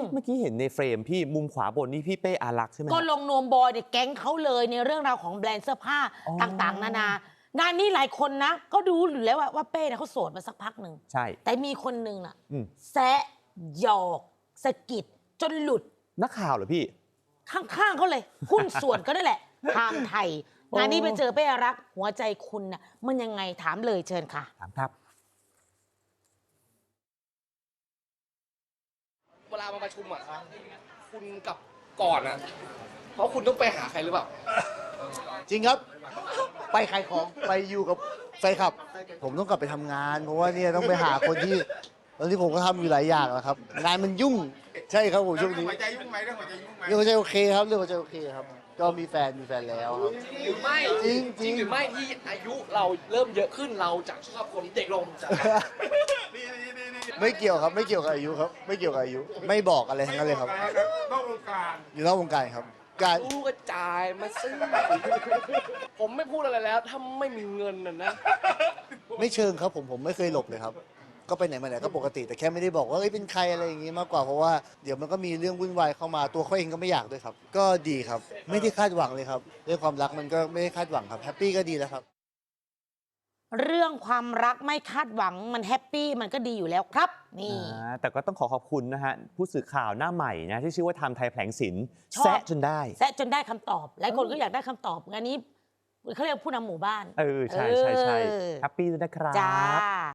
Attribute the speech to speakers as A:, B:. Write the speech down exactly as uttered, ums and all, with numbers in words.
A: เมื่อกี้เห็นในเฟรมพี่มุมขวาบนนี่พี่เป้อารักษ์ใช่ไหม
B: ก็ลงนวมบอยเนี่ยแก๊งเขาเลยในเรื่องราวของแบรนด์เสื้อผ้าต่างๆ นานางานนี้หลายคนนะก็ดูอยู่แล้วว่าว่าเป้เนี่ยเขาโสดมาสักพักหนึ่ง
A: ใช่
B: แต่มีคนหนึ่งน่ะ
A: อืม
B: แซะหยอกสะกิดจนหลุด
A: นักข่าวเหรอพี่
B: ข้างๆเขาเลย หุ้นส่วนก็ได้แหละทางไทย งานนี้ไปเจอเป้อารักษ์หัวใจคุณน่ะมันยังไงถามเลยเชิญค่ะ
A: ถามครับ
C: เวลามาประชุมอ่ะคุณกับก่อนอ่ะเพราะคุณต้องไปหาใครหรือเปล่า
D: จริงครับ ไปขายของไปอยู่กับแฟนคลับ ผมต้องกลับไปทำงาน เพราะว่าเนี่ยต้องไปหาคนที่ตอนที่ผมก็ทำอยู่หลายอย่างแล้วครับ งานมันยุ่งใช่ครับผมช่วงนี้
E: หัวใจยุ่งไหมเรื่องหัวใจยุ่งไหม
D: เรื่องหัวใจโอเคครับเรื่องหัวใจโอเคครับ ก็มีแฟนมีแฟนแล้วครับ
C: หรือไม่
D: จริง
C: จริงหรือไม่ที่อายุเราเริ่มเยอะขึ้นเราจะชอบคนเด็กลงจาก
D: ไม่เกี่ยวครับไม่เกี่ยวกับอายุครับ ไม่เกี่ยวกับอายุ ไม่บอกอะไรทั้งนั้นเลยครับ
E: นอกวงการ
D: อยู่นอกวงการครับ การ
C: รู้กระจายมาซื้อผมไม่พูดอะไรแล้วถ้าไม่มีเงินน่ะนะ
D: ไม่เชิงครับผมผมไม่เคยหลบเลยครับ ก็ไปไหนมาไหนก็ปกติแต่แค่ไม่ได้บอกว่าเอ้ยเป็นใครอะไรอย่างงี้มากกว่าเพราะว่าเดี๋ยวมันก็มีเรื่องวุ่นวายเข้ามาตัวเขาเองก็ไม่อยากด้วยครับ ก็ดีครับ ไม่ได้คาดหวังเลยครับเรื่องความรักมันก็ไม่ได้คาดหวังครับแฮปปี้ก็ดีแล้วครับ
B: เรื่องความรักไม่คาดหวังมันแฮปปี้มันก็ดีอยู่แล้วครับ นี่
A: อ่าแต่ก็ต้องขอขอบคุณนะฮะ ผู้สื่อข่าวหน้าใหม่นะที่ชื่อว่าไทม์ไทยแผลงศิลป์
B: ชอบ
A: แซะจนได้
B: แซะจนได้คำตอบ หลายคนก็อยากได้คำตอบงานนี้เขาเรียกผู้นำหมู่บ้าน
A: เออ ใช่ใช่ใช่
B: เออ
A: แฮปปี้ด้วยนะครับ
B: จ้า